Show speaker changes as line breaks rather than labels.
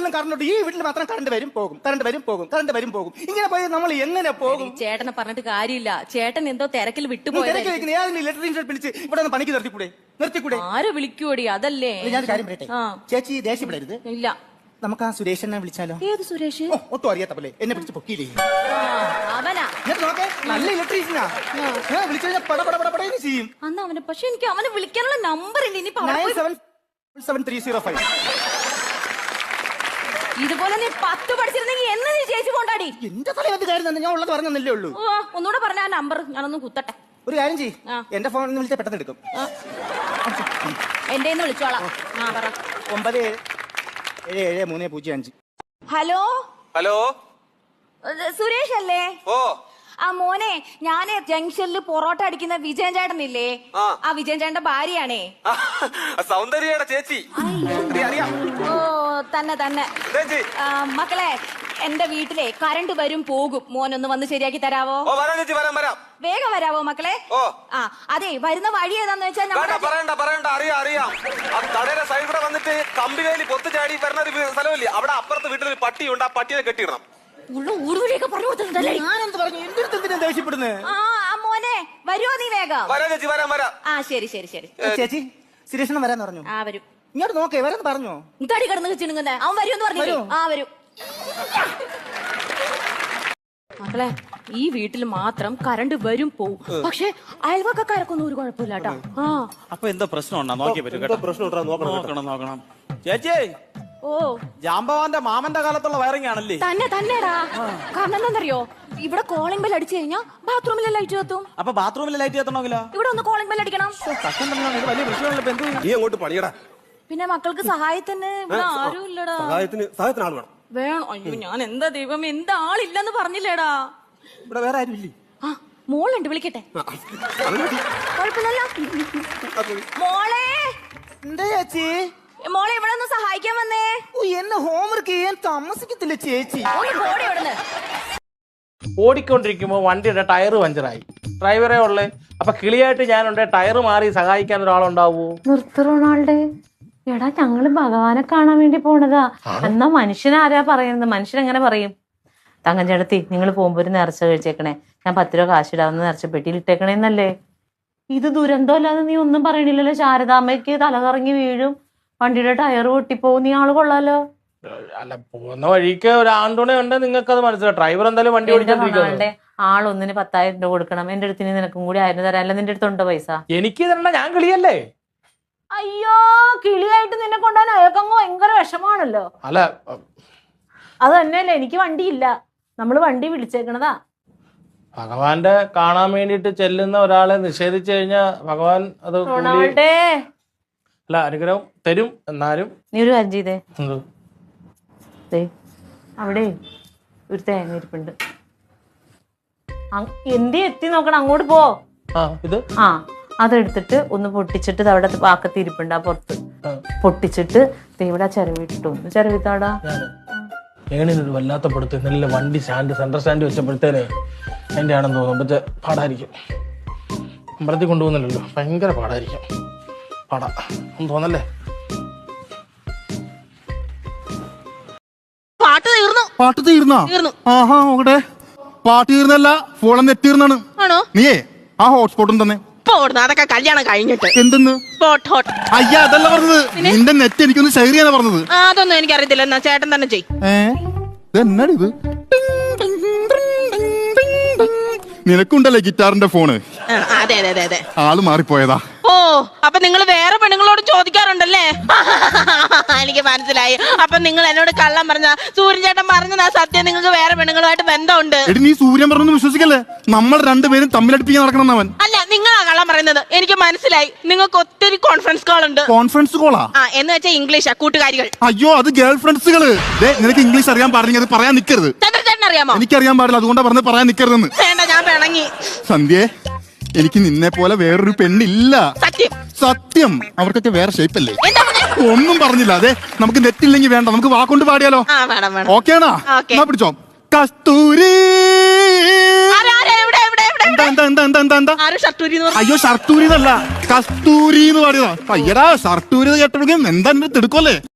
വീടുകളിലും കറണ്ട് ഉണ്ട്, ഈ വീട്ടിൽ മാത്രം കറണ്ട് വരും പോകും, കറണ്ട് വരും പോകും, കറണ്ട് വരും പോകും. ഇങ്ങനെ പോയി നമ്മൾ എങ്ങനെ പോകും?
ചേട്ടനെ പറഞ്ഞിട്ട് കാര്യമില്ല, ചേട്ടൻ എന്തോ തിരക്കിൽ
തിരക്ക്
വിട്ടുപോയത്.
വെക്കുന്ന ഏതെങ്കിലും ഇലക്ട്രീഷ്യൻ വിളിച്ച് ഇവിടെ ഒന്ന് പണിക്ക് നിർത്തിക്കൂടെ?
ആരെ വിളിക്കൂടി? അതല്ലേ
ഞാൻ കാര്യം പറയട്ടെ, ചേച്ചി ദേഷ്യപ്പെടരുത്.
ഇല്ല,
നമുക്ക് ആ സുരേഷനെ വിളിച്ചാലോ?
ഏത് സുരേഷ്?
ഒട്ടും അറിയാത്ത പോലെ എന്നെ പിടിച്ച് പൊക്കിയില്ലേ?
അവനാ
നോക്കേ, നല്ല ഇലക്ട്രീഷ്യനാ. വിളിച്ചു കഴിഞ്ഞാൽ പടപടപടപടേന്ന് ചെയ്യും.
അന്ന് അവന്, പക്ഷെ എനിക്ക് അവനെ വിളിക്കാനുള്ള നമ്പർ ഇല്ല. ഇനി
977305.
ഇതുപോലെ നീ 10 പഠിച്ചിരുന്നെങ്കിൽ എന്ന് നീ ചേച്ചി കൊണ്ടാടി.
എന്റെ തലവത്ത് കാര്യം തന്നെ, ഞാൻ ഉള്ളത് പറഞ്ഞല്ലേ ഉള്ളൂ.
ഒന്നുകൂടെ പറഞ്ഞ ആ നമ്പർ ഞാനൊന്ന് കുത്തട്ടെ.
ഒരു കാര്യം ചെയ്യ്, എന്റെ ഫോണിൽ വിളിച്ചാൽ പെട്ടെന്ന് എടുക്കും.
എന്റെ വിളിച്ചോളാം.
977305.
ഹലോ
ഹലോ,
സുരേഷ് അല്ലേ?
ഓ
ആ മോനെ, ഞാന് ജംഗ്ഷനിൽ പൊറോട്ട അടിക്കുന്ന വിജയൻ ചേട്ടനില്ലേ, ആ വിജയൻ ചേട്ടന്റെ ഭാര്യയാണേ.
സൗന്ദര്യയുടെ ചേച്ചി. അറിയാം.
ഓ തന്നെ തന്നെ. മക്കളെ, എന്റെ വീട്ടിലെ കറണ്ട് വരും പോകും, മോനൊന്ന് വന്ന് ശരിയാക്കി തരാവോ?
ഓ വരാം ചേച്ചി, വരാം വരാം.
വേഗം വരാവോ മക്കളെ?
ഓ
അതെ, വരുന്ന വഴി ഏതാന്ന് വെച്ചാൽ
പറയണ്ട, അറിയാം. ആ കടയുടെ സൈഡ് കൂടെ വന്നിട്ട് കമ്പിവേലി പൊത്തുചാടി വരുന്ന ഒരു സ്ഥലമില്ലേ, അവിടെ അപ്പുറത്ത് വീട്ടിലൊരു പട്ടിയുണ്ട്, ആ പട്ടിയെ കെട്ടിയിടണം.
ഉള്ള ഊടുവഴിയൊക്കെ പറഞ്ഞു കൊടുത്തിട്ടുണ്ടല്ലേ?
ഞാനെന്ത് പറഞ്ഞു? എന്റെ അടുത്ത് എന്തിനാ ദേഷ്യപ്പെടുന്നത്?
മോനെ വരുവോ നീ? വേഗം
വരാം ചേച്ചി, വരാം.
ശരി.
ചേച്ചി, സുരേഷണം വരാന്ന് പറഞ്ഞു.
വരും.
ഇങ്ങോട്ട് നോക്കേ, വരാന്ന് പറഞ്ഞോ?
തടി കിടന്ന് ചിണുങ്ങുന്നേ, അവൻ വരുമെന്ന് പറഞ്ഞു. വരും. മക്കളെ, ഈ വീട്ടിൽ മാത്രം കറണ്ട് വരും പോവും, പക്ഷെ അയൽവക്കക്കാരൊക്കൊന്നും ഒരു കുഴപ്പമില്ല കേട്ടോ.
അപ്പൊ എന്താ പ്രശ്നം ഉണ്ടാ? നോക്കിയേ പറ്റും കേട്ടോ. നോക്കണം. ചേച്ചി,
ഓ
ജാമ്പവാന്റെ മാമന്റെ കാലത്തുള്ള വയറിംഗ് ആണല്ലേ?
തന്നെടാ. കാരണം എന്താണെന്നറിയോ, ഇവിടെ കോളിംഗ് ബെൽ അടിച്ചു കഴിഞ്ഞാൽ ബാത്റൂമിലെ ലൈറ്റ് കത്തും.
അപ്പൊ ബാത്റൂമിലെ ലൈറ്റ് കത്തണമെങ്കിലോ?
ഇവിടെ ഒന്ന് കോളിംഗ് ബെൽ അടിക്കണം.
വലിയ പ്രശ്നമുള്ള
നീ അങ്ങോട്ട് പണിയടാ.
പിന്നെ മക്കൾക്ക് സഹായത്തിന് ഇവിടെ ആരും ഇല്ലടാ.
സഹായത്തിന് ആൾ വേണം.
വേണം. അയ്യോ, ഞാൻ എന്താ ദൈവം, എന്താ ആളില്ലെന്ന് പറഞ്ഞില്ലേടാ.
ഇവിടെ വേറെ ആരും ഇല്ലേ?
മോളുണ്ട്, വിളിക്കട്ടെ? കുഴപ്പമില്ലല്ലോ. മോളെ,
എന്താ ചേച്ചി?
മോളെ ഇവിടെ ഒന്ന് സഹായിക്കാൻ വന്നേ.
എന്നെ ഹോംവർക്ക് ചെയ്യാൻ താമസിക്കത്തില്ല ചേച്ചി.
ഓടി ഇവിടുന്ന്.
ഓടിക്കൊണ്ടിരിക്കുമ്പോ വണ്ടിയുടെ ടയർ പഞ്ചറായി, ഡ്രൈവറേ ഉള്ളേ. അപ്പൊ കിളിയായിട്ട് ഞാനുണ്ട്, ടയർ മാറി സഹായിക്കാൻ ഒരാളുണ്ടാവൂ?
റൊണാൾഡേ, എടാ ഞങ്ങള് ഭഗവാനെ കാണാൻ വേണ്ടി പോണതാ. എന്നാ മനുഷ്യനാരാ പറയുന്നത്? മനുഷ്യൻ എങ്ങനെ പറയും? തങ്കഞ്ചേടത്തി, നിങ്ങൾ പോകുമ്പോ ഒരു നേർച്ച കഴിച്ചേക്കണേ, ഞാൻ 10 രൂപ കാശിടാവുന്ന നേർച്ച പെട്ടിയിൽ ഇട്ടേക്കണേന്നല്ലേ. ഇത് ദുരന്തം അല്ലാതെ നീ ഒന്നും പറയണില്ലല്ലോ. ശാരദാമ്മയ്ക്ക് തലകറങ്ങി വീഴും, വണ്ടിയുടെ ടയർ പൊട്ടിപ്പോവും, നീ ആള് കൊള്ളാലോ.
അല്ല, പോകുന്ന വഴിക്ക് ഒരു ആണ്ടോണെ ഉണ്ട്, നിങ്ങൾക്ക് അത് മനസ്സിലാവും. ഡ്രൈവർ എന്തായാലും വണ്ടി ഓടിച്ചോണ്ടിരിക്കുന്നത്.
ആളൊന്നിന് 10,000 രൂപ കൊടുക്കണം. എന്റെ അടുത്ത് നിനക്കും കൂടി 1000 തരാം. അല്ല, നിന്റെ അടുത്തുണ്ടോ പൈസ?
എനിക്ക് തരണ്ട, ഞാൻ കിളിയല്ലേ.
അയ്യോ, കിളിയായിട്ട് നിന്നെ കൊണ്ടുപോകാൻ അയാൾക്കങ്ങ് ഭയങ്കര വിഷമാണല്ലോ.
അല്ല,
അത് തന്നെയല്ലേ, എനിക്ക് വണ്ടിയില്ല, നമ്മള് വണ്ടി വിളിച്ചേക്കണതാ.
ഭഗവാന്റെ കാണാൻ വേണ്ടിട്ട് ചെല്ലുന്ന ഒരാളെ നിഷേധിച്ചു കഴിഞ്ഞാൽ ഭഗവാൻ അത് അല്ല അനുഗ്രഹം തരും. എന്നാലും
നീ ഒരു കാര്യം ചെയ്തേ, അവിടെ ഒരു തേങ്ങ ഇരിപ്പുണ്ട്, എന്തി എത്തി നോക്കണം, അങ്ങോട്ട് പോ.
ഇത്
അതെടുത്തിട്ട് ഒന്ന് പൊട്ടിച്ചിട്ട് അവിടെ പാക്കത്തി ഇരിപ്പുണ്ട്, ആ പുറത്ത് പൊട്ടിച്ചിട്ട് ഇവിടെ ചിരവിട്ടു, ഒന്ന് ചിരവിത്താടാ.
ഏണിനൊരു വല്ലാത്ത പെടുത്ത് നല്ല വണ്ടി സ്റ്റാൻഡ് സെൻട്രൽ സ്റ്റാൻഡ് വെച്ചപ്പോഴത്തേനെ അതിൻ്റെ ആണെന്ന് തോന്നും. പക്ഷേ പാടായിരിക്കും, അമ്പലത്തിൽ കൊണ്ടുപോകുന്നില്ലല്ലോ, ഭയങ്കര പാടായിരിക്കും. പാടാ ഒന്ന് തോന്നല്ലേ?
പാട്ട് തീർന്നോ? ആഹാ, നോക്കട്ടെ. പാട്ട് തീർന്നല്ല, ഫോൺ നെറ്റ് തീർന്നാണ്. നീയേ ആ ഹോട്ട്സ്പോട്ടും തന്നെ.
അതൊക്കെ കല്യാണം കഴിഞ്ഞിട്ട്.
എന്തെന്ന്? അയ്യ, അതല്ല പറഞ്ഞത്, നിന്റെ നെറ്റ് എനിക്കൊന്ന് ഷെയർ ചെയ്യാനാ പറഞ്ഞത്.
അതൊന്നും എനിക്കറിയത്തില്ല, എന്നാ ചേട്ടൻ തന്നെ ചെയ്.
എന്നാടി ഇത്? നിനക്കുണ്ടല്ലേ ഗിറ്റാറിന്റെ ഫോണ്?
അതെ അതെ അതെ.
ആള് മാറിപ്പോയതാ.
ഓ, അപ്പൊ നിങ്ങൾ വേറെ പെണ്ണുങ്ങളോട് ചോദിക്കാറുണ്ടല്ലേ? എനിക്ക് മനസ്സിലായി. അപ്പൊ നിങ്ങൾ എന്നോട് കള്ളം പറഞ്ഞ സൂര്യൻ ചേട്ടൻ പറഞ്ഞതാ സത്യം, നിങ്ങൾക്ക് വേറെ പെണ്ണുങ്ങളുമായിട്ട് ബന്ധമുണ്ട്.
എടി, നീ സൂര്യൻ പറഞ്ഞൊന്നും വിശ്വസിക്കല്ലേ, നമ്മൾ രണ്ടുപേരും തമ്മിലടിപ്പിക്കാൻ നടക്കണം അവൻ.
അല്ല, നിങ്ങളാ കള്ളം പറയുന്നത്, എനിക്ക് മനസ്സിലായി. നിങ്ങൾക്ക് ഒത്തിരി കോൺഫറൻസ് കോൾ ഉണ്ട്.
കോൺഫറൻസ് കോളാ?
എന്ന് വെച്ചാൽ ഇംഗ്ലീഷാ, കൂട്ടുകാരികൾ.
അയ്യോ, അത് ഗേൾ ഫ്രണ്ട്സുകള്. നിനക്ക് ഇംഗ്ലീഷ് അറിയാൻ പാടില്ല, അത് പറയാൻ നിക്കരുത്.
ചന്ദ്രചേട്ടൻ അറിയാമോ?
എനിക്കറിയാൻ പാടില്ല, അതുകൊണ്ടാ പറഞ്ഞത് പറയാൻ നിക്കരുതെന്ന്.
വേണ്ട, ഞാൻ പിണങ്ങി.
സന്ധ്യേ, എനിക്ക് നിന്നെ പോലെ വേറൊരു പെണ്ണില്ല. സത്യം. അവർക്കൊക്കെ വേറെ ഷേപ്പല്ലേ? ഒന്നും പറഞ്ഞില്ല. അതെ, നമുക്ക് നെറ്റ് ഇല്ലെങ്കിൽ വേണ്ട, നമുക്ക് വാക്കൊണ്ട് പാടിയാലോ? ഓക്കെ ആണോ? എന്നാ പിടിച്ചോ. കസ്തൂരി. അയ്യോ, ഷർട്ടൂരി എന്നല്ല, കസ്തൂരി എന്ന് പാടിയതാ. അയ്യടാ, ഷർട്ടൂരി കേട്ടൊഴുകയും എന്താ തിടുക്കല്ലേ?